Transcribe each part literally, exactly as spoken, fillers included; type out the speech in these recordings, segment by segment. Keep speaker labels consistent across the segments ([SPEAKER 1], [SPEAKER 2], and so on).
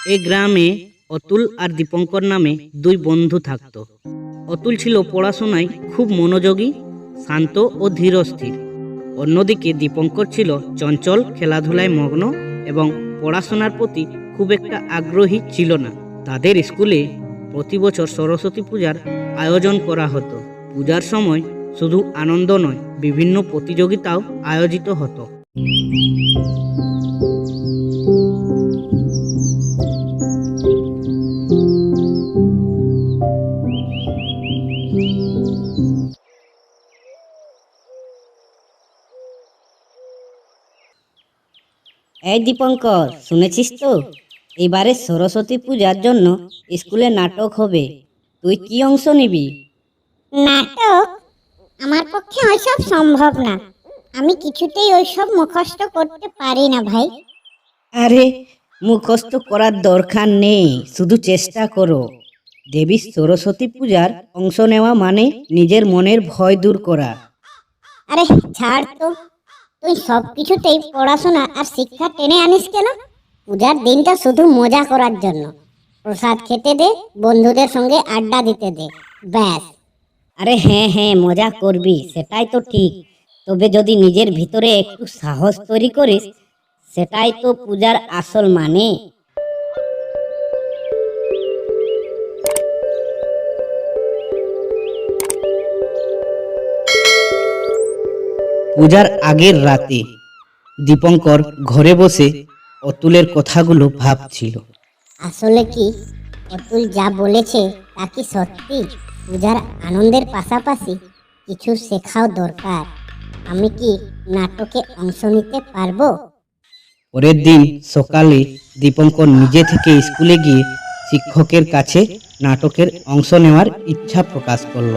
[SPEAKER 1] এই গ্রামে অতুল আর দীপঙ্কর নামে দুই বন্ধু থাকত। অতুল ছিল পড়াশোনায় খুব মনোযোগী, শান্ত ও ধীরস্থির। অন্যদিকে দীপঙ্কর ছিল চঞ্চল, খেলাধুলায় মগ্ন এবং পড়াশোনার প্রতি খুব একটা আগ্রহী ছিল না। তাদের স্কুলে প্রতি বছর সরস্বতী পূজার আয়োজন করা হতো। পূজার সময় শুধু আনন্দ নয়, বিভিন্ন প্রতিযোগিতাও আয়োজিত হতো।
[SPEAKER 2] এই দীপঙ্কর, শুনেছিস তো এবারে সরস্বতী পূজার জন্য স্কুলে নাটক হবে। তুই কি অংশ নিবি?
[SPEAKER 3] নাটক? আমার পক্ষে ওইসব সম্ভব না। আমি কিছুতেই ওইসব মুখস্থ করতে পারি না ভাই।
[SPEAKER 2] আরে মুখস্থ করার দরকার নেই, শুধু চেষ্টা করো। দেবী সরস্বতী পূজার অংশ নেওয়া মানে নিজের মনের ভয় দূর করা।
[SPEAKER 3] আরে ছাড় তো, তুই সব কিছুতেই পড়াশোনা আর শিক্ষা টেনে আনিস কেন? পূজার দিনটা শুধু মজা করার জন্য। প্রসাদ খেতে দে, বন্ধুদের সঙ্গে আড্ডা দিতে দে, ব্যাস।
[SPEAKER 2] আরে হ্যাঁ হ্যাঁ, মজা করবি, সেটাই তো ঠিক। তবে যদি নিজের ভিতরে একটু সাহস তৈরি করিস, সেটাই তো পূজার আসল মানে।
[SPEAKER 1] পূজার আগের রাতে দীপঙ্কর ঘরে বসে অতুলের কথাগুলো ভাবছিল।
[SPEAKER 3] আসলে কি অতুল যা বলেছে তা কি সত্যি? পূজার আনন্দের পাশাপাশি কিছু শেখাও দরকার। আমি কি নাটকে অংশ নিতে পারবো?
[SPEAKER 1] পরের দিন সকালে দীপঙ্কর নিজে থেকে স্কুলে গিয়ে শিক্ষকের কাছে নাটকের অংশ নেওয়ার ইচ্ছা প্রকাশ করল।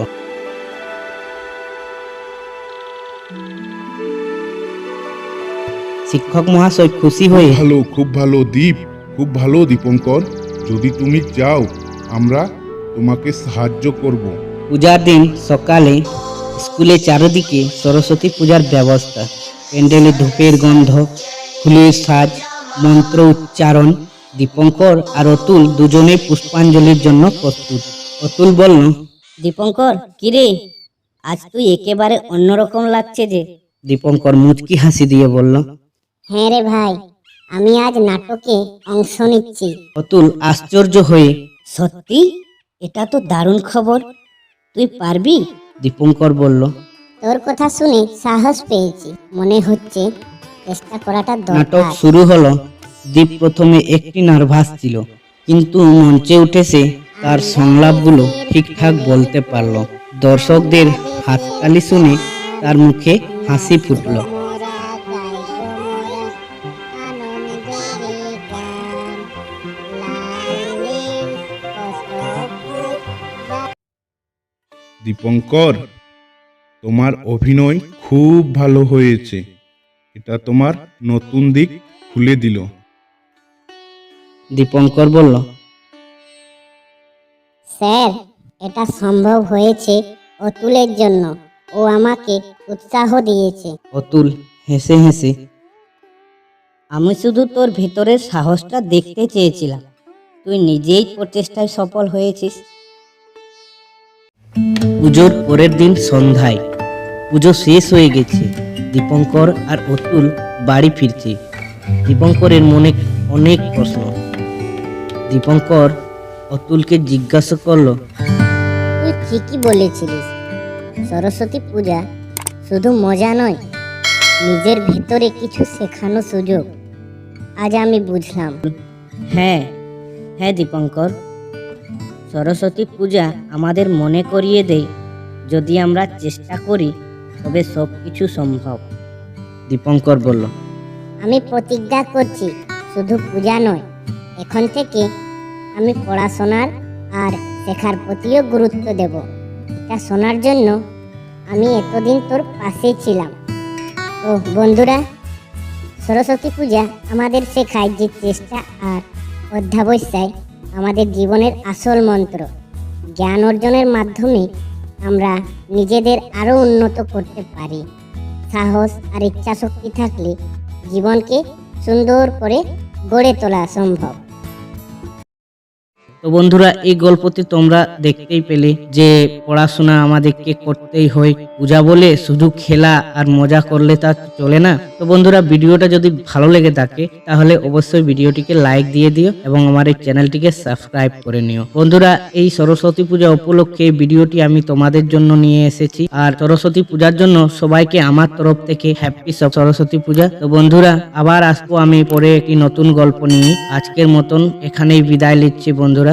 [SPEAKER 1] শিক্ষক মহাশয় খুশি হয়ে
[SPEAKER 4] ভালো, খুব ভালো দীপ, খুব ভালো দীপঙ্কর। যদি তুমি চাও আমরা তোমাকে সাহায্য করব।
[SPEAKER 1] পূজার দিন সকালে স্কুলে চারিদিকে সরস্বতী পূজার ব্যবস্থা। প্যান্ডেলে ধূপের গন্ধ, ফুলের সাজ, মন্ত্র উচ্চারণ। দীপঙ্কর আর অতুল দুজনে পুষ্পাঞ্জলির জন্য প্রস্তুত। অতুল বলল,
[SPEAKER 2] দীপঙ্কর, কিরে আজ তুই একেবারে অন্যরকম লাগছে যে।
[SPEAKER 1] দীপঙ্কর মুচকি হাসি দিয়ে বলল,
[SPEAKER 3] হ্যাঁ রে ভাই, আমি আজ নাটকে অংশ নিচ্ছি।
[SPEAKER 1] অতুল আশ্চর্য হয়ে,
[SPEAKER 2] সত্যি? এটা তো দারুণ খবর। তুই পারবি?
[SPEAKER 1] দীপঙ্কর বলল,
[SPEAKER 3] তোর কথা শুনে সাহস পেয়েছি, মনে হচ্ছে চেষ্টা করাটা
[SPEAKER 1] নাটক
[SPEAKER 3] দরকার।
[SPEAKER 1] শুরু হলো। দীপ প্রথমে একটি নার্ভাস ছিল, কিন্তু মঞ্চে উঠে সে তার সংলাপগুলো ঠিকঠাক বলতে পারল। দর্শকদের হাততালি শুনে তার মুখে হাসি ফুটল।
[SPEAKER 4] দীপঙ্কর, তোমার অভিনয় খুব ভালো হয়েছে। এটা তোমার নতুন দিক খুলে দিল।
[SPEAKER 1] দীপঙ্কর বলল,
[SPEAKER 3] স্যার, এটা সম্ভব হয়েছে অতুলের জন্য। ও আমাকে উৎসাহ দিয়েছে।
[SPEAKER 1] অতুল হেসে হেসে,
[SPEAKER 2] আমি শুধু তোর ভেতরের সাহসটা দেখতে চেয়েছিলাম। তুই নিজেই প্রচেষ্টায় সফল হয়েছিস।
[SPEAKER 1] পুজোর পরের দিন সন্ধ্যায় পুজো শেষ হয়ে গেছে। দীপঙ্কর আর অতুল বাড়ি ফিরছে। দীপঙ্করের মনে অনেক প্রশ্ন। দীপঙ্কর অতুলকে জিজ্ঞাসা করলো,
[SPEAKER 3] তুই ঠিকই বলেছিলিস, সরস্বতী পূজা শুধু মজা নয়, নিজের ভেতরে কিছু শেখানো সুযোগ। আজ আমি বুঝলাম।
[SPEAKER 2] হ্যাঁ হ্যাঁ দীপঙ্কর, সরস্বতী পূজা আমাদের মনে করিয়ে দেয়, যদি আমরা চেষ্টা করি তবে সব কিছু সম্ভব।
[SPEAKER 1] দীপঙ্কর বলল,
[SPEAKER 3] আমি প্রতিজ্ঞা করছি, শুধু পূজা নয়, এখন থেকে আমি পড়াশোনার আর শেখার প্রতিও গুরুত্ব দেব। তা শোনার জন্য আমি এতদিন তোর পাশে ছিলাম। ও বন্ধুরা, সরস্বতী পূজা আমাদের শেখায় যে চেষ্টা আর অধ্যাবসায় আমাদের জীবনের আসল মন্ত্র। জ্ঞান অর্জনের মাধ্যমে আমরা নিজেদের আরও উন্নত করতে পারি। সাহস আর ইচ্ছাশক্তি থাকলে জীবনকে সুন্দর করে গড়ে তোলা সম্ভব।
[SPEAKER 1] তো বন্ধুরা, এই গল্পতে তোমরা দেখতেই পেলে যে পড়াশোনা আমাদেরকে করতেই হয়। পূজা বলে শুধু খেলা আর মজা করলে তা চলে না। তো বন্ধুরা, ভিডিওটা যদি ভালো লেগে থাকে তাহলে অবশ্যই ভিডিওটিকে লাইক দিয়ে দিও এবং আমার এই চ্যানেলটিকে সাবস্ক্রাইব করে নিও। বন্ধুরা, এই সরস্বতী পূজা উপলক্ষে এই ভিডিওটি আমি তোমাদের জন্য নিয়ে এসেছি। আর সরস্বতী পূজার জন্য সবাইকে আমার তরফ থেকে হ্যাপি সরস্বতী পূজা। তো বন্ধুরা, আবার আসবো আমি পরে একটি নতুন গল্প নিয়ে। আজকের মতন এখানেই বিদায় নিচ্ছি বন্ধুরা।